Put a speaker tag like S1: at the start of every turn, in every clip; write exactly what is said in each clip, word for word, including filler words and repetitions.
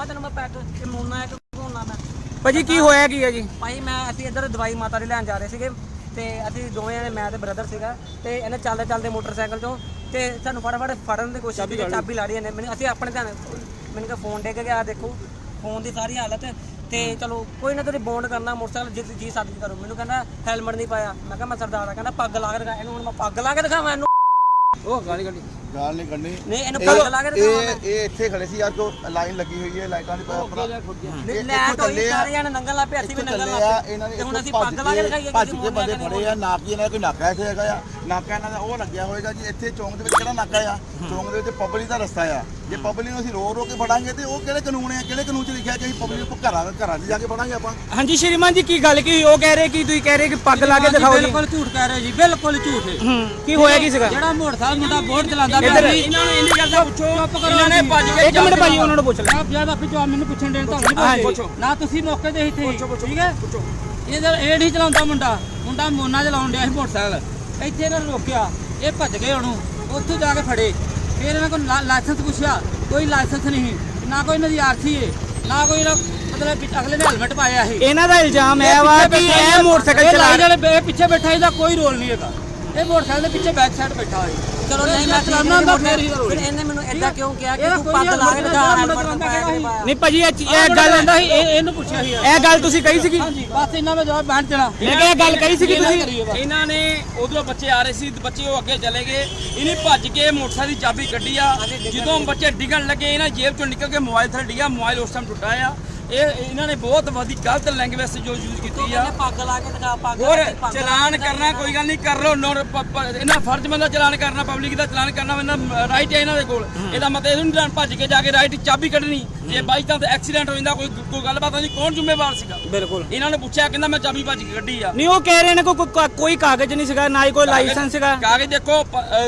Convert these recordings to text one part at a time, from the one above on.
S1: ਦਿਖਾਵਾਂ ਤੈਨੂੰ ਮੈਂ ਪੈਕ ਮੋਨਾ ਇੱਕ ਹੋਣਾ ਮੈਂ
S2: ਭਾਜੀ ਕੀ ਹੋਇਆ ਕੀ ਹੈ ਜੀ?
S1: ਭਾਈ ਮੈਂ ਅਸੀਂ ਇੱਧਰ ਦਵਾਈ ਮਾਤਾ ਦੀ ਲੈਣ ਜਾ ਰਹੇ ਸੀਗੇ ਤੇ ਅਸੀਂ ਦੋਵੇਂ ਜਣੇ ਮੈਂ ਤੇ ਬ੍ਰਦਰ ਸੀਗਾ ਤੇ ਇਹਨੇ ਚੱਲਦੇ ਚੱਲਦੇ ਮੋਟਰਸਾਈਕਲ ਚੋਂ ਤੇ ਸਾਨੂੰ ਫਟਾਫਟ ਫੜਨ ਦੀ ਕੋਸ਼ਿਸ਼ ਕੀਤੀ, ਚਾਬੀ ਲਾ ਰਹੀ ਇਹਨੇ ਮੈਨੂੰ। ਅਸੀਂ ਆਪਣੇ ਧਿਆਨ ਮੈਨੂੰ ਕਿਹਾ ਫੋਨ ਡਿੱਗ ਗਿਆ, ਦੇਖੋ ਫੋਨ ਦੀ ਸਾਰੀ ਹਾਲਤ ਤੇ ਚਲੋ ਕੋਈ ਨਾ ਤੁਸੀਂ ਬੌਂਡ ਕਰਨਾ ਮੋਟਰਸਾਈਕਲ ਜਿੱਦ ਜੀ ਸਾਡੀ ਕਰੋ। ਮੈਨੂੰ ਕਹਿੰਦਾ ਹੈਲਮਟ ਨਹੀਂ ਪਾਇਆ। ਮੈਂ ਕਿਹਾ ਮੈਂ ਸਰਦਾਰ ਆ। ਕਹਿੰਦਾ ਪੱਗ ਲਾ ਕੇ ਦਿਖਾ। ਇਹਨੂੰ ਹੁਣ ਮੈਂ ਪੱਗ ਲਾ ਕੇ ਦਿਖਾਵਾਂ ਇਹਨੂੰ? ਉਹ ਗਾਲੀ ਗਾਲੀ
S3: ਗਾਲ ਨਹੀਂ ਕੱਢਣੀ।
S1: ਨਹੀਂ ਇਹਨੂੰ ਪੱਗ ਲਾ ਕੇ ਦਿਖਾਵਾਂ।
S3: ਇਹ ਇਹ ਇੱਥੇ ਖੜੇ ਸੀ ਯਾਰ, ਕੋ ਲਾਈਨ ਲੱਗੀ ਹੋਈ ਹੈ, ਲਾਈਟਾਂ ਦੀ ਆਪਣਾ
S1: ਲੈਟ ਹੋਈ ਸਾਰੇ ਜਣੇ ਨੰਗਲ ਲਾ ਪਿਆ, ਅਸੀਂ ਵੀ ਨੰਗਲ ਲਾ ਪਿਆ
S3: ਇਹਨਾਂ ਨੇ।
S1: ਤੇ ਹੁਣ ਅਸੀਂ ਪੱਗ ਲਾ ਕੇ ਦਿਖਾਈਏ
S3: ਭੱਜ ਕੇ ਬੰਦੇ ਫੜੇ ਆ। ਨਾਕੀ ਇਹਨਾਂ ਦਾ ਕੋਈ ਨਾਕਾ ਇੱਥੇ ਹੈਗਾ ਆ, ਨਾਕਾ ਇਹਨਾਂ ਦਾ ਉਹ ਲੱਗਿਆ ਹੋਏਗਾ ਜੀ। ਇੱਥੇ ਚੌਂਕ ਦੇ ਵਿੱਚ ਕਿਹੜਾ ਨਾਕਾ ਆ? ਚੌਂਕ ਦੇ ਵਿੱਚ ਪਬਲਿਕ ਦਾ ਰਸਤਾ ਆ। ਜੇ ਪਬਲਿਕ ਨੂੰ ਅਸੀਂ ਰੋ ਰੋ ਕੇ ਫੜਾਂਗੇ ਤੇ ਉਹ ਕਿਹੜੇ ਕਾਨੂੰਨ ਆ? ਕਿਹੜੇ ਕਾਨੂੰਨ 'ਚ ਲਿਖਿਆ ਕਿ ਅਸੀਂ ਪਬਲਿਕ ਨੂੰ ਘਰਾਂ ਘਰਾਂ 'ਚ ਜਾ ਕੇ ਫੜਾਂਗੇ ਆਪਾਂ?
S2: ਹਾਂਜੀ ਸ਼੍ਰੀਮਾਨ ਜੀ ਕੀ ਗੱਲ ਕੀ ਹੋਈ? ਉਹ ਕਹਿ ਰਹੇ ਕਿ ਤੁਸੀਂ ਕਹਿ ਰਹੇ ਕਿ ਪੱਗ ਲਾ ਕੇ ਦਿਖਾਓ ਜੀ।
S1: ਬਿਲਕੁਲ ਝੂਠ ਕਹਿ ਰਹੇ ਜੀ, ਬਿਲਕੁਲ ਝੂਠ ਹੈ।
S2: ਹੂੰ ਕੀ ਹੋਇਆ ਕੀ ਸੀਗਾ?
S1: ਜਿਹੜਾ ਮੋਟਰਸਾਈਕਲ ਮੁੰਡਾ ਬੋਰਡ ਚਲਾਉਂਦਾ
S2: ਇੱਧਰ
S1: ਪਿਆ ਸੀ, ਇਹਨਾਂ ਨੂੰ ਇੰਨੀ ਗੱਲ ਦਾ ਪੁੱਛੋ। ਇਹਨਾਂ ਨੇ ਭੱਜ ਕੇ
S2: ਇੱਕ ਮਿੰਟ ਭਾਜੀ ਉਹਨਾਂ ਨੂੰ ਪੁੱਛ ਲੈ।
S1: ਆਪ ਜਦ ਆਪੇ ਜਵਾਬ ਮੈਨੂੰ ਪੁੱਛਣ ਦੇਣ ਤੁਹਾਨੂੰ ਨਹੀਂ ਪੁੱਛੋ ਨਾ, ਤੁਸੀਂ ਮੌਕੇ ਤੇ ਇੱਥੇ ਠੀਕ ਹੈ। ਇਹਦਾ ਇਹ ਨਹੀਂ ਚਲਾਉਂਦਾ ਮੁੰਡਾ, ਮੁੰਡਾ ਮੋਨਾ ਚਲਾਉਣ ਡਿਆ ਸੀ ਮੋਟਰਸਾਈਕਲ। ਇੱਥੇ ਇਹਨਾਂ ਨੇ ਰੋਕਿਆ, ਇਹ ਭੱਜ ਗਏ ਉਹਨੂੰ, ਉੱਥੋਂ ਜਾ ਕੇ ਫੜੇ। ਫਿਰ ਇਹਨਾਂ ਕੋਲ ਲਾਇਸੈਂਸ ਪੁੱਛਿਆ, ਕੋਈ ਲਾਇਸੈਂਸ ਨਹੀਂ, ਨਾ ਕੋਈ ਇਹਨਾਂ ਦੀ ਆਰਸੀ ਹੈ, ਨਾ ਕੋਈ ਇਹਨਾਂ ਮਤਲਬ ਅਗਲੇ ਨੇ ਹੈਲਮਟ ਪਾਇਆ ਸੀ।
S2: ਇਹਨਾਂ ਦਾ ਇਲਜ਼ਾਮ ਹੈ ਵਾ ਕਿ ਇਹ ਮੋਟਰਸਾਈਕਲ ਚਲਾ
S1: ਜਿਹੜੇ ਪਿੱਛੇ ਬੈਠਾ ਇਹਦਾ ਕੋਈ ਰੋਲ ਨਹੀਂ ਹੈਗਾ। ਇਹ ਮੋਟਰਸਾਈਕਲ ਦੇ ਪਿੱਛੇ ਬੈਕ ਸਾਈਡ ਬੈਠਾ ਹੋਇਆ। ਚਲੋ ਨਹੀਂ ਮੈਂ ਚਲਾਉਣਾ ਹੁੰਦਾ ਫਿਰ ਇਹਨੇ ਮੈਨੂੰ ਇਦਾਂ ਕਿਉਂ ਕਿਹਾ ਕਿ ਤੂੰ ਪੱਗ ਲਾ ਕੇ ਦਿਖਾ ਹੈਲਮਟ ਪਾਇਆ?
S2: ਨਹੀਂ ਭਾਜੀ ਇਹ ਗੱਲ
S1: ਆਂਦਾ ਸੀ, ਇਹ ਇਹਨੂੰ ਪੁੱਛਿਆ ਸੀ।
S2: ਇਹ ਗੱਲ ਤੁਸੀਂ ਕਹੀ ਸੀਗੀ?
S1: ਹਾਂਜੀ ਬਸ ਇਹਨਾਂ ਦਾ ਜਵਾਬ ਬੈਠ ਦੇਣਾ।
S2: ਮੈਂ ਕਿਹਾ ਇਹ ਗੱਲ ਕਹੀ ਸੀਗੀ ਤੁਸੀਂ?
S4: ਇਹਨਾਂ ਨੇ ਉਧਰੋਂ ਬੱਚੇ ਆ ਰਹੇ ਸੀ, ਬੱਚੇ ਉਹ ਅੱਗੇ ਚਲੇ ਗਏ। ਇਹਨੇ ਭੱਜ ਕੇ ਮੋਟਰਸਾਈਕਲ ਦੀ ਚਾਬੀ ਕੱਢੀ ਆ। ਜਦੋਂ ਬੱਚੇ ਡਿੱਗਣ ਲੱਗੇ ਇਹਨਾਂ ਜੇਬ ਚੋਂ ਨਿਕਲ ਕੇ ਮੋਬਾਈਲ ਥੱਲੇ ਡਿੱਗਾ। ਮੋਬਾਈਲ ਉਸ ਟਾਈਮ ਟੁੱਟਾ ਆ। ਇਹ ਇਹਨਾਂ ਨੇ ਬਹੁਤ ਵਧੀ ਗਲਤ ਲੈਂਗੁਏਜ ਜੋ ਯੂਜ਼ ਕੀਤੀ ਆ।
S1: ਪੱਗ ਲਾ ਕੇ ਦਿਖਾ, ਪੱਗ
S4: ਹੋਰ ਚਲਾਨ ਕਰਨਾ ਕੋਈ ਗੱਲ ਨਹੀਂ, ਕਰ ਲੋ। ਇਹਨਾਂ ਫਰਜ਼ ਬੰਦਾ ਚਲਾਨ ਕਰਨਾ, ਪਬਲਿਕ ਦਾ ਚਲਾਨ ਕਰਨਾ ਇਹਨਾਂ ਰਾਈਟ ਹੈ ਇਹਨਾਂ ਦੇ ਕੋਲ। ਇਹਦਾ ਮਤਲਬ ਇਹ ਨਹੀਂ ਭੱਜ ਕੇ ਜਾ ਕੇ ਰਾਈਟ ਚਾਬੀ ਕੱਢਣੀ। ਜੇ ਬਾਈ ਚਾਂਸ ਐਕਸੀਡੈਂਟ ਹੋ ਜਾਂਦਾ, ਕੋਈ ਕੋਈ ਗੱਲਬਾਤ ਨਹੀਂ, ਕੌਣ ਜ਼ਿੰਮੇਵਾਰ ਸੀਗਾ?
S2: ਬਿਲਕੁਲ
S4: ਇਹਨਾਂ ਨੇ ਪੁੱਛਿਆ, ਕਹਿੰਦਾ ਮੈਂ ਚਾਬੀ ਭੱਜ ਕੇ ਕੱਢੀ ਆ।
S2: ਨਹੀਂ ਉਹ ਕਹਿ ਰਹੇ ਨੇ ਕੋਈ ਕੋਈ ਕਾਗਜ਼ ਨਹੀਂ ਸੀਗਾ, ਨਾ ਹੀ ਕੋਈ ਲਾਇਸੈਂਸ ਸੀਗਾ।
S4: ਕਾਗਜ਼ ਦੇਖੋ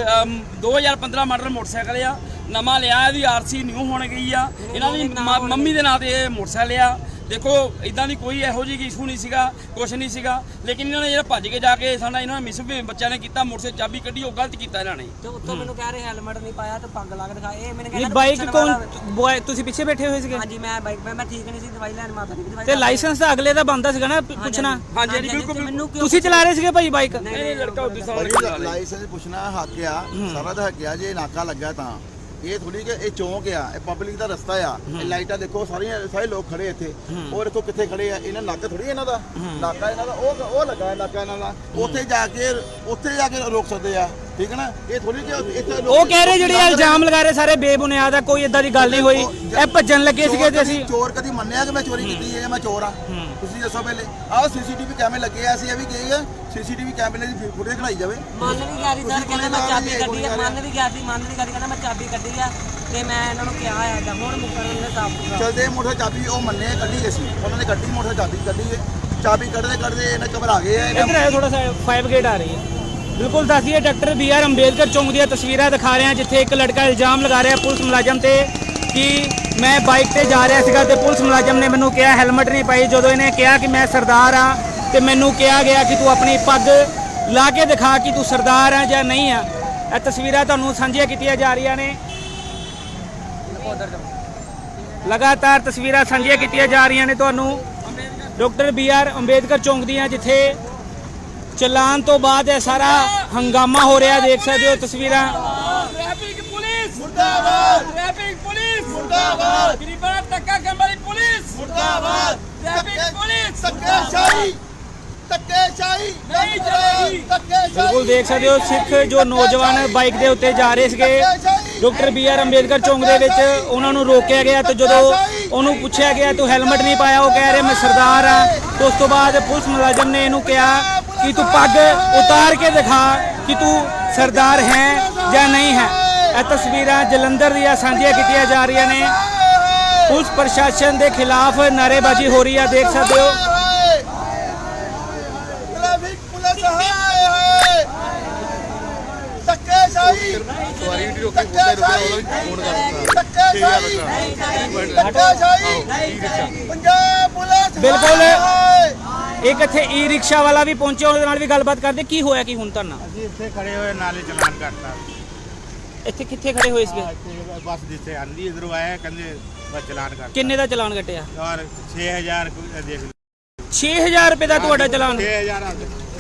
S4: ਦੋ ਹਜ਼ਾਰ ਪੰਦਰਾਂ ਮਾਡਲ ਮੋਟਰਸਾਈਕਲ ਆ, ਨਵਾਂ ਲਿਆ। ਇਹਦੀ ਆਰਸੀ ਨਿਊ ਹੋਣ ਗਈ ਆ। ਇਹਨਾਂ ਦੀ ਮੰਮੀ ਦੇ ਨਾਂ ਤੇ ਇਹ ਮੋਟਰਸਾਈਕਲ ਆ। ਦੇਖੋ ਇਦਾਂ ਦੀ ਕੋਈ ਇਹੋ ਜਿਹੀ ਇਸ਼ੂ ਨਹੀਂ ਸੀਗਾ, ਕੁਛ ਨਹੀਂ ਸੀਗਾ। ਲੇਕਿਨ ਇਹਨਾਂ ਨੇ ਜਿਹੜਾ ਭੱਜ ਕੇ ਜਾ ਕੇ ਸਾਡਾ ਇਹਨਾਂ ਨੇ ਮਿਸ ਬੱਚਿਆਂ ਨੇ ਕੀਤਾ, ਮੋਟਰਸਾਈਕਲ ਚਾਬੀ ਕੱਢੀ, ਉਹ ਗਲਤ ਕੀਤਾ ਇਹਨਾਂ ਨੇ।
S1: ਤੇ ਉੱਤੋਂ ਮੈਨੂੰ ਕਹਿ ਰਹੇ ਹੈਲਮਟ ਨਹੀਂ ਪਾਇਆ ਤੇ ਪੱਗ ਲਾ ਕੇ ਦਿਖਾ। ਇਹ ਮੈਨੂੰ
S2: ਇਹ
S1: ਕਹਿੰਦਾ
S2: ਬਾਈਕ ਕੌਣ? ਤੁਸੀਂ ਪਿੱਛੇ ਬੈਠੇ ਹੋਏ ਸੀਗੇ?
S1: ਹਾਂਜੀ ਮੈਂ ਬਾਈਕ ਮੈਂ ਠੀਕ ਨਹੀਂ ਸੀ, ਦਵਾਈ ਲੈਣ ਮਾਤਾ ਦੀ ਦਵਾਈ।
S2: ਤੇ ਲਾਇਸੈਂਸ ਤਾਂ ਅਗਲੇ ਦਾ ਬੰਦਾ ਸੀਗਾ ਨਾ ਪੁੱਛਣਾ।
S4: ਹਾਂਜੀ ਬਿਲਕੁਲ।
S1: ਮੈਨੂੰ
S2: ਤੁਸੀਂ ਚਲਾ ਰਹੇ ਸੀਗੇ ਭਾਈ ਬਾਈਕ?
S4: ਨਹੀਂ ਲੜਕਾ ਉਦੋਂ ਸਾਲ
S3: ਲਾਇਸੈਂਸ ਪੁੱਛਣਾ ਹੱਕ ਆ, ਸਾਰਾ ਦਾ ਹੱਕ ਆ। ਜੇ ਨਾਕਾ ਲੱਗਾ ਤਾਂ ਇਹ ਥੋੜੀ ਕਿ ਇਹ ਚੌਂਕ ਆ, ਇਹ ਪਬਲਿਕ ਦਾ ਰਸਤਾ ਆ। ਇਹ ਲਾਈਟਾਂ ਦੇਖੋ ਸਾਰੀਆਂ, ਸਾਰੇ ਲੋਕ ਖੜੇ ਇੱਥੇ। ਉਹ ਦੇਖੋ ਕਿੱਥੇ ਖੜੇ ਆ। ਇਹਨਾਂ ਨਾਕਾ ਥੋੜੀ ਇਹਨਾਂ ਦਾ, ਨਾਕਾ ਇਹਨਾਂ ਦਾ ਉਹ ਉਹ ਲੱਗਾ ਹੈ ਨਾਕਾ ਇਹਨਾਂ ਦਾ। ਉੱਥੇ ਜਾ ਕੇ ਉੱਥੇ ਜਾ ਕੇ ਰੋਕ ਸਕਦੇ ਆ, ਠੀਕ ਹੈ ਨਾ। ਇਹ ਥੋੜੀ ਕਿ ਇੱਥੇ
S2: ਉਹ ਕਹਿ ਰਹੇ ਜਿਹੜੇ ਇਲਜ਼ਾਮ ਲਗਾ ਰਹੇ ਸਾਰੇ ਬੇਬੁਨਿਆਦ ਆ, ਕੋਈ ਇਦਾਂ ਦੀ ਗੱਲ ਨਹੀਂ ਹੋਈ। ਇਹ ਭੱਜਣ ਲੱਗੇ ਸੀਗੇ ਤੇ ਅਸੀਂ
S3: ਚੋਰ ਕਦੀ ਮੰਨਿਆ ਕਿ ਮੈਂ ਚੋਰੀ ਕੀਤੀ ਹੈ? ਮੈਂ ਚੋਰ ਆ? ਤੁਸੀਂ ਦੱਸੋ ਪਹਿਲੇ। ਆਹ ਸੀਸੀਟੀਵੀ ਕੈਮਰੇ ਲੱਗੇ ਆ, ਅਸੀਂ ਇਹ ਵੀ ਕਹੀਏ ਸੀਸੀਟੀਵੀ ਕੈਮਰੇ ਦੀ ਫੁਟੇਜ ਖੜਾਈ ਜਾਵੇ।
S1: ਮੰਨ ਵੀ ਗਿਆ ਸੀ ਸਰ, ਕਹਿੰਦਾ ਮੈਂ ਚਾਬੀ ਕੱਢੀ ਆ। ਮੰਨ ਵੀ ਗਿਆ ਸੀ, ਮੰਨ ਵੀ ਗਿਆ ਸੀ, ਕਹਿੰਦਾ ਮੈਂ ਚਾਬੀ ਕੱਢੀ ਆ। ਤੇ ਮੈਂ ਇਹਨਾਂ ਨੂੰ ਕਿਹਾ ਆ ਜਾਂ ਹੁਣ ਮੁਕਰਨ ਦੇ ਸਾਫ ਸੁਥਰਾ
S3: ਚਲਦੇ ਮੋਟਰ ਚਾਬੀ ਉਹ ਮੰਨੇ ਕੱਢੀ ਅਸੀਂ, ਉਹਨਾਂ ਨੇ ਕੱਢੀ ਮੋਟਰ ਚਾਬੀ ਕੱਢੀ ਹੈ। ਚਾਬੀ ਕੱਢਦੇ ਕੱਢਦੇ ਇਹਨਾਂ ਘਬਰਾ ਗਏ ਆ।
S2: ਇੱਧਰ ਆਇਓ ਥੋੜਾ ਸਾ, ਫਾਈਵ ਗੇਟ ਆ ਰਹੀ ਹੈ। ਬਿਲਕੁਲ ਦੱਸੀਏ ਡਾਕਟਰ ਬੀ ਆਰ ਅੰਬੇਦਕਰ ਚੌਂਕ ਦੀਆਂ ਤਸਵੀਰਾਂ ਦਿਖਾ ਰਹੇ ਹਾਂ, ਜਿੱਥੇ ਇੱਕ ਲੜਕਾ ਇਲਜ਼ਾਮ ਲਗਾ ਰਿਹਾ ਪੁਲਿਸ ਮੁਲਾਜ਼ਮ ਤੇ ਕਿ ਮੈਂ ਬਾਈਕ ਤੇ ਜਾ ਰਿਹਾ ਸੀਗਾ ਤੇ ਪੁਲਿਸ ਮੁਲਾਜ਼ਮ ਨੇ ਮੈਨੂੰ ਕਿਹਾ ਹੈਲਮਟ ਨਹੀਂ ਪਾਈ। ਜਦੋਂ ਇਹਨੇ ਕਿਹਾ ਕਿ ਮੈਂ ਸਰਦਾਰ ਆ ਤੇ ਮੈਨੂੰ ਕਿਹਾ ਗਿਆ ਕਿ ਤੂੰ ਆਪਣੀ ਪੱਗ ਲਾ ਕੇ ਦਿਖਾ ਕਿ ਤੂੰ ਸਰਦਾਰ ਆ ਜਾਂ ਨਹੀਂ ਆ। ਇਹ ਤਸਵੀਰਾਂ ਤੁਹਾਨੂੰ ਸਾਂਝੀਆਂ ਕੀਤੀਆਂ ਜਾ ਰਹੀਆਂ ਨੇ, ਲਗਾਤਾਰ ਤਸਵੀਰਾਂ ਸਾਂਝੀਆਂ ਕੀਤੀਆਂ ਜਾ ਰਹੀਆਂ ਨੇ ਤੁਹਾਨੂੰ ਡਾਕਟਰ ਬੀ ਆਰ ਅੰਬੇਦਕਰ ਚੌਂਕ ਦੀਆਂ, ਜਿੱਥੇ ਚਲਾਨ ਤੋਂ ਬਾਅਦ ਇਹ ਸਾਰਾ ਹੰਗਾਮਾ ਹੋ ਰਿਹਾ। ਦੇਖ ਸਕਦੇ ਹੋ ਤਸਵੀਰਾਂ।
S4: ਟ੍ਰੈਫਿਕ ਪੁਲਿਸ ਮੁਰਦਾਬਾਦ, ਟ੍ਰੈਫਿਕ ਪੁਲਿਸ ਮੁਰਦਾਬਾਦ, ਗਰੀਬਾਂ ਦਾ ਧੱਕਾ ਕਰਨ ਵਾਲੀ ਪੁਲਿਸ ਮੁਰਦਾਬਾਦ, ਟ੍ਰੈਫਿਕ ਪੁਲਿਸ
S3: ਧੱਕੇਸ਼ਾਹੀ ਧੱਕੇਸ਼ਾਹੀ
S4: ਨਹੀਂ ਚਲੇਗੀ।
S2: ਬਿਲਕੁਲ ਦੇਖ ਸਕਦੇ ਹੋ ਸਿੱਖ ਜੋ ਨੌਜਵਾਨ ਬਾਈਕ ਦੇ ਉੱਤੇ ਜਾ ਰਹੇ ਸੀਗੇ ਡਾਕਟਰ ਬੀ ਆਰ ਅੰਬੇਦਕਰ ਚੌਂਕ ਦੇ ਵਿੱਚ, ਉਹਨਾਂ ਨੂੰ ਰੋਕਿਆ ਗਿਆ ਤੇ ਜਦੋਂ ਉਹਨੂੰ ਪੁੱਛਿਆ ਗਿਆ ਤੂੰ ਹੈਲਮਟ ਨਹੀਂ ਪਾਇਆ, ਉਹ ਕਹਿ ਰਿਹਾ ਮੈਂ ਸਰਦਾਰ ਆ। ਉਸ ਤੋਂ ਬਾਅਦ ਪੁਲਿਸ ਮੁਲਾਜ਼ਮ ਨੇ ਇਹਨੂੰ ਕਿਹਾ ਕਿ ਤੂੰ ਪੱਗ ਉਤਾਰ ਕੇ ਦਿਖਾ ਕਿ ਤੂੰ ਸਰਦਾਰ ਹੈ ਜਾਂ ਨਹੀਂ ਹੈ। ਇਹ ਤਸਵੀਰਾਂ ਜਲੰਧਰ ਦੀਆਂ ਸਾਂਝੀਆਂ ਕੀਤੀਆਂ ਜਾ ਰਹੀਆਂ ਨੇ। ਪੁਲਿਸ ਪ੍ਰਸ਼ਾਸਨ ਦੇ ਖਿਲਾਫ ਨਾਅਰੇਬਾਜ਼ੀ ਹੋ ਰਹੀ ਹੈ, ਦੇਖ ਸਕਦੇ ਹੋ।
S3: ਟ੍ਰੈਫਿਕ ਪੁਲਿਸ ਹਾਏ ਹਾਏ ਧੱਕੇਸ਼ਾਹੀ ਸਵਾਰੀ ਵੀ ਰੋਕੇ ਧੱਕੇਸ਼ਾਹੀ ਧੱਕੇਸ਼ਾਹੀ ਪੰਜਾਬ ਪੁਲਿਸ।
S2: ਬਿਲਕੁਲ ਇੱਕ ਇੱਥੇ ਈ ਰਿਕਸ਼ਾ ਵਾਲਾ ਵੀ ਪਹੁੰਚਿਆ, ਉਹਦੇ ਨਾਲ ਵੀ ਗੱਲਬਾਤ ਕਰਦੇ। ਕੀ ਹੋਇਆ ਕੀ ਹੁਣ ਤੁਹਾਨੂੰ?
S5: ਅਸੀਂ ਇੱਥੇ ਖੜੇ ਹੋਏ ਨਾਲੇ ਚਲਾਨ ਕਰਤਾ।
S2: ਇੱਥੇ ਕਿੱਥੇ ਖੜੇ ਹੋਏ ਸੀਗੇ?
S5: ਬੱਸ ਜਿੱਥੇ ਆਂਦੀ ਇਧਰੋਂ ਆਇਆ, ਕਹਿੰਦੇ ਬਸ ਚਲਾਨ ਕਰ
S2: ਕਿੰਨੇ ਦਾ ਚਲਾਨ ਕੱਟਿਆ?
S5: ਯਾਰ ਛੇ ਹਜ਼ਾਰ ਕੋਈ ਦੇਖ ਲਓ
S2: ਛੇ ਹਜ਼ਾਰ ਰੁਪਏ ਦਾ ਤੁਹਾਡਾ ਚਲਾਨ?
S5: ਛੇ ਹਜ਼ਾਰ ਆ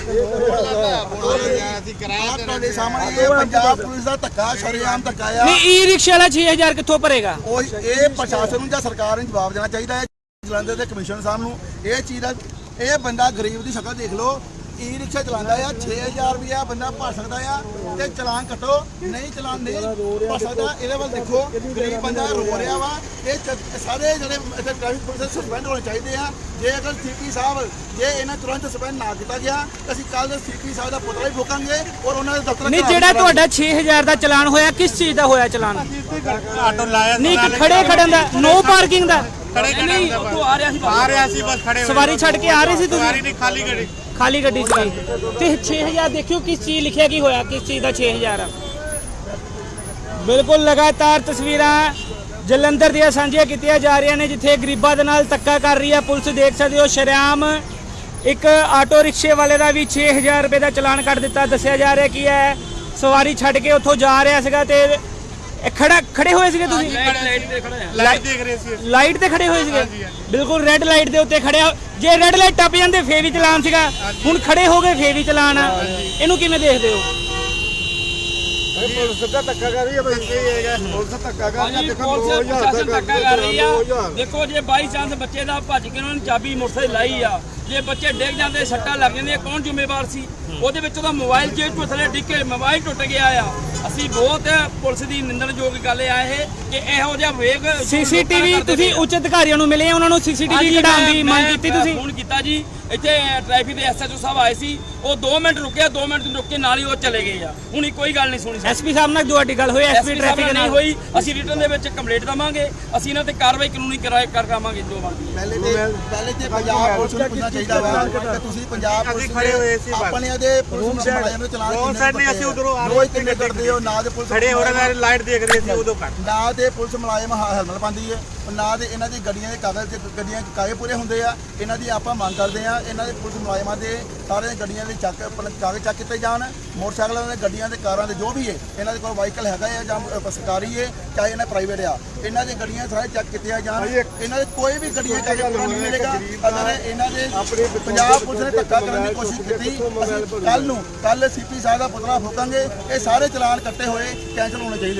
S5: ਅਸੀਂ ਕਿਰਾਇਆ
S3: ਤੁਹਾਡੇ ਸਾਹਮਣੇ ਇਹ ਪੰਜਾਬ ਪੁਲਿਸ ਦਾ ਧੱਕਾ ਸ਼ਰੇਆਮ ਧੱਕਾ ਆ
S2: ਨਹੀਂ ਈ ਰਿਕਸ਼ਾ ਵਾਲਾ ਛੇ ਹਜ਼ਾਰ ਕਿੱਥੋਂ ਭਰੇਗਾ?
S3: ਉਹ ਇਹ ਪ੍ਰਸ਼ਾਸਨ ਨੂੰ ਜਾਂ ਸਰਕਾਰ ਨੂੰ ਜਵਾਬ ਦੇਣਾ ਚਾਹੀਦਾ ਹੈ ਜਲੰਧਰ ਦੇ ਕਮਿਸ਼ਨਰ ਸਾਹਿਬ ਨੂੰ ਇਹ ਚੀਜ਼ ਦਾ ਇਹ ਬੰਦਾ ਗਰੀਬ ਦੀ ਸ਼ਕਲ ਦੇਖ ਲਓ ਈ ਰਿਕਸ਼ਾ ਚਲਾਉਂਦਾ ਆ ਛੇ ਹਜ਼ਾਰ ਰੁਪਇਆ ਬੰਦਾ ਭਰ ਸਕਦਾ ਆ ਤੇ ਚਲਾਨ ਕੱਟੋ ਨਹੀਂ ਚਲਾਨ ਨਹੀਂ ਭਰ ਸਕਦਾ ਇਹਦੇ ਵੱਲ ਦੇਖੋ ਗਰੀਬ ਬੰਦਾ ਰੋ ਰਿਹਾ ਵਾ ਇਹ ਚ- ਸਾਰੇ ਜਿਹੜੇ ਇੱਥੇ ਟ੍ਰੈਫਿਕ ਪੁਲਿਸ ਸਸਪੈਂਡ ਹੋਣੇ ਚਾਹੀਦੇ ਆ ਜੇ ਅਗਰ ਸੀਪੀ ਸਾਹਿਬ ਜੇ ਇਹਨਾਂ ਤੁਰੰਤ ਸਸਪੈਂਡ ਨਾ ਕੀਤਾ ਗਿਆ ਤਾਂ ਅਸੀਂ ਕੱਲ ਦੇ ਸੀਪੀ ਸਾਹਿਬ ਦਾ ਪੁਤਲਾ ਵੀ ਫੂਕਾਂਗੇ ਔਰ ਉਹਨਾਂ ਦੇ ਦਫ਼ਤਰ
S2: ਨਹੀਂ ਜਿਹੜਾ ਤੁਹਾਡਾ ਛੇ ਹਜ਼ਾਰ ਦਾ ਚਲਾਨ ਹੋਇਆ ਕਿਸ ਚੀਜ਼ ਦਾ ਹੋਇਆ ਚਲਾਨ?
S5: ਆਟੋ ਲਾਇਆ
S2: ਨਹੀਂ ਕਿ ਖੜੇ ਖੜਨ ਦਾ ਨੋ ਪਾਰਕਿੰਗ ਦਾ
S5: ਖੜੇ
S4: ਨਹੀਂ ਉਹ ਆ ਰਿਹਾ ਸੀ
S5: ਆ ਰਿਹਾ ਸੀ ਬਸ ਖੜੇ ਹੋਏ।
S2: ਸਵਾਰੀ ਛੱਡ ਕੇ ਆ ਰਹੇ ਸੀ
S5: ਸਵਾਰੀ
S2: ਤੁਸੀਂ?
S5: ਨਹੀਂ ਖਾਲੀ ਗੱਡੀ
S2: ਖਾਲੀ ਗੱਡੀ ਸੀ ਤੇ ਛੇ ਹਜ਼ਾਰ ਦੇਖਿਓ ਕਿਸ ਚੀਜ਼ ਲਿਖਿਆ ਕੀ ਹੋਇਆ ਕਿਸ ਚੀਜ਼ ਦਾ ਛੇ ਹਜ਼ਾਰ ਆ। ਬਿਲਕੁਲ ਲਗਾਤਾਰ ਤਸਵੀਰਾਂ ਜਲੰਧਰ ਦੀਆਂ ਸਾਂਝੀਆਂ ਕੀਤੀਆਂ ਜਾ ਰਹੀਆਂ ਨੇ ਜਿੱਥੇ ਗਰੀਬਾਂ ਦੇ ਨਾਲ ਧੱਕਾ ਕਰ ਰਹੀ ਹੈ ਪੁਲਿਸ। ਦੇਖ ਸਕਦੇ ਹੋ ਸ਼ਰੇਆਮ ਇੱਕ ਆਟੋ ਰਿਕਸ਼ੇ ਵਾਲੇ ਦਾ ਵੀ ਛੇ ਹਜ਼ਾਰ ਰੁਪਏ ਦਾ ਚਲਾਨ ਕੱਟ ਦਿੱਤਾ। ਦੱਸਿਆ ਜਾ ਰਿਹਾ ਕੀ ਹੈ ਸਵਾਰੀ ਛੱਡ ਕੇ ਉੱਥੋਂ ਜਾ ਰਿਹਾ ਸੀਗਾ ਤੇ ਇਹ ਖੜਾ ਖੜੇ ਹੋਏ ਸੀਗੇ ਤੁਸੀਂ?
S4: ਲਾਈਟ ਤੇ ਖੜਾ ਆ
S5: ਲਾਈਟ ਦੇਖ ਰਹੇ ਸੀ
S2: ਲਾਈਟ ਤੇ ਖੜੇ ਹੋਏ ਸੀਗੇ? ਬਿਲਕੁਲ ਰੈੱਡ ਲਾਈਟ ਦੇ ਉੱਤੇ ਖੜਿਆ। ਜੇ ਰੈੱਡ ਲਾਈਟ ਟੱਪ ਜਾਂਦੇ ਫੇਰ ਵੀ ਚਲਾਨ ਸੀਗਾ, ਹੁਣ ਖੜੇ ਹੋ ਗਏ ਫੇਰ ਵੀ ਚਲਾਨ ਆ। ਇਹਨੂੰ ਕਿਵੇਂ ਦੇਖਦੇ ਹੋ?
S5: ਪੁਲਿਸ ਦਾ ਧੱਕਾ ਕਰ ਰਹੀ ਹੈ ਬਈ ਸਹੀ ਹੈਗਾ ਪੁਲਿਸ ਧੱਕਾ ਕਰ ਰਹੀ ਹੈ
S4: ਹਾਂਜੀ
S5: ਦੇਖੋ
S4: ਪੁਲਿਸ ਪ੍ਰਸ਼ਾਸਨ ਧੱਕਾ ਕਰ ਰਹੀ ਆ ਦੇਖੋ ਜੇ ਬਾਈ ਚਾਂਸ ਬੱਚੇ ਦਾ ਭੱਜ ਕੇ ਉਹਨਾਂ ਨੇ ਚਾਬੀ ਮੋਟਰਸਾਈਕਲ ਲਾਈ ਆ ਜੇ ਬੱਚੇ ਡਿੱਗ ਜਾਂਦੇ ਸੱਟਾਂ ਲੱਗ ਜਾਂਦੀਆਂ ਕੌਣ ਜ਼ਿੰਮੇਵਾਰ ਸੀ? ਉਹਦੇ ਵਿੱਚ ਉਹਦਾ ਮੋਬਾਈਲ ਜੇਬ ਤੋਂ ਥੱਲੇ ਡਿੱਗ ਕੇ ਮੋਬਾਈਲ ਟੁੱਟ ਗਿਆ ਆ। ਅਸੀਂ ਬਹੁਤ ਪੁਲਿਸ ਦੀ ਨਿੰਦਣਯੋਗ ਗੱਲ ਆ ਇਹ ਕਿ ਇਹੋ ਜਿਹਾ ਵੇਗ
S2: ਸੀਸੀਟੀਵੀ ਤੁਸੀਂ ਉੱਚ ਅਧਿਕਾਰੀਆਂ ਨੂੰ ਮਿਲੇ ਉਹਨਾਂ ਨੂੰ ਸੀਸੀਟੀਵੀ ਕਢਾਉਣ ਦੀ ਮੰਗ ਕੀਤੀ ਤੁਸੀਂ?
S4: ਫੋਨ ਕੀਤਾ ਜੀ ਇੱਥੇ ਟ੍ਰੈਫਿਕ ਦੇ ਐਸਐਚਓ ਸਾਹਿਬ ਆਏ ਸੀ ਉਹ ਦੋ ਮਿੰਟ ਰੁਕਿਆ ਦੋ ਮਿੰਟ ਰੁਕ ਕੇ ਨਾਲ ਹੀ ਉਹ ਚਲੇ ਗਏ ਆ। ਹੁਣ ਕੋਈ ਗੱਲ ਨਹੀਂ ਸੁਣੀ
S2: ਐਸਪੀ ਸਾਹਿਬ ਨਾਲ ਤੁਹਾਡੀ ਗੱਲ ਹੋਈ? ਐਸਪੀ ਟ੍ਰੈਫਿਕ
S4: ਨਹੀਂ
S2: ਨਾਲ
S4: ਹੋਈ। ਅਸੀਂ ਰਿਟਰਨ ਦੇ ਵਿੱਚ ਕੰਪਲੇਂਟ ਦਵਾਂਗੇ ਅਸੀਂ ਇਹਨਾਂ ਤੇ ਕਾਰਵਾਈ ਕਾਨੂੰਨੀ ਕਰਾਏ ਕਰਾਵਾਂਗੇ ਜੋ ਬਣਦੀ ਹੈ।
S3: ਪਹਿਲੇ ਤੇ ਪਹਿਲੇ ਤੇ ਪੰਜਾਬ ਪੁਲਿਸ ਨੂੰ ਪੁੱਛਣਾ ਚਾਹੀਦਾ ਵਾ ਕਿ ਤੁਸੀਂ ਪੰਜਾਬ ਪੁਲਿਸ
S5: ਖੜੇ ਹੋਏ ਸੀ ਬਸ।
S3: ਆਪਣੇ ਦੇ ਪੁਲਿਸ ਮੁਲਾਜ਼ਮ ਨੂੰ ਚਲਾਨ
S5: ਰੋਡ ਸਾਈਡ ਨੇ ਅਸੀਂ ਉਧਰੋਂ ਆ ਰਹੇ
S3: ਰੋਜ਼ ਕਿੰਨੇ ਕਰਦੇ ਹੋ ਨਾ ਦੇ ਪੁਲਿਸ
S5: ਖੜੇ ਹੋ ਰਹੇ ਲਾਈਟ ਦੇਖ ਰਹੇ ਸੀ ਉਦੋਂ ਕੱਟ
S3: ਨਾ ਤੇ ਪੁਲਿਸ ਮੁਲਾਜ਼ਮ ਹੈਲਮਟ ਪਾਉਂਦੀ ਹੈ ਨਾ ਤੇ ਇਹਨਾਂ ਦੀ ਗੱਡੀਆਂ ਦੇ ਕਾਗਜ਼ ਤੇ ਗੱਡੀਆਂ ਦੇ ਕਾਗਜ਼ ਪੂਰੇ ਹੁੰਦੇ ਆ। ਇਹਨਾਂ ਦੀ ਆਪਾਂ ਮੰਗ ਕਰਦੇ ਆ ਇਹਨਾਂ ਦੇ ਪੁਲਿਸ ਮੁਲਾਜ਼ਮਾਂ ਦੇ ਸਾਰੇ ਗੱਡੀਆਂ ਦੇ ਚੱਕ ਆਪਣਾ ਕਾਗਜ਼ ਚੱਕ ਕੀਤੇ ਜਾਣ ਮੋਟਰਸਾਈਕਲਾਂ ਦੇ ਗੱਡੀਆਂ ਦੇ ਕਾਰਾਂ ਦੇ ਜੋ ਵੀ ਹੈ ਇਹਨਾਂ ਦੇ ਕੋਲ ਵਾਹੀਕਲ ਹੈਗਾ ਹੈ ਜਾਂ ਅ, ਸਰਕਾਰੀ ਹੈ ਚਾਹੇ ਇਹਨਾਂ ਪ੍ਰਾਈਵੇਟ ਆ ਇਹਨਾਂ ਦੀਆਂ ਗੱਡੀਆਂ ਸਾਰੇ ਚੱਕ ਕੀਤੀਆਂ ਜਾਣ। ਇਹਨਾਂ ਦੇ ਕੋਈ ਵੀ ਗੱਡੀਆਂ ਕਾਗਜ਼ ਪੂਰਾ ਨਹੀਂ ਮਿਲੇਗਾ ਅਗਰ ਇਹਨਾਂ ਦੇ ਪੰਜਾਬ ਪੁਲਿਸ ਨੇ ਧੱਕਾ ਕਰਨ ਦੀ ਕੋਸ਼ਿਸ਼ ਕੀਤੀ ਅਸੀਂ ਕੱਲ ਨੂੰ ਕੱਲ ਸੀਪੀ ਸਾਹਿਬ ਦਾ ਪੁਤਲਾ ਫੂਕਾਂਗੇ। ਇਹ ਸਾਰੇ ਚਲਾਨ ਕੱਟੇ ਹੋਏ ਕੈਂਸਲ ਹੋਣੇ ਚਾਹੀਦੇ।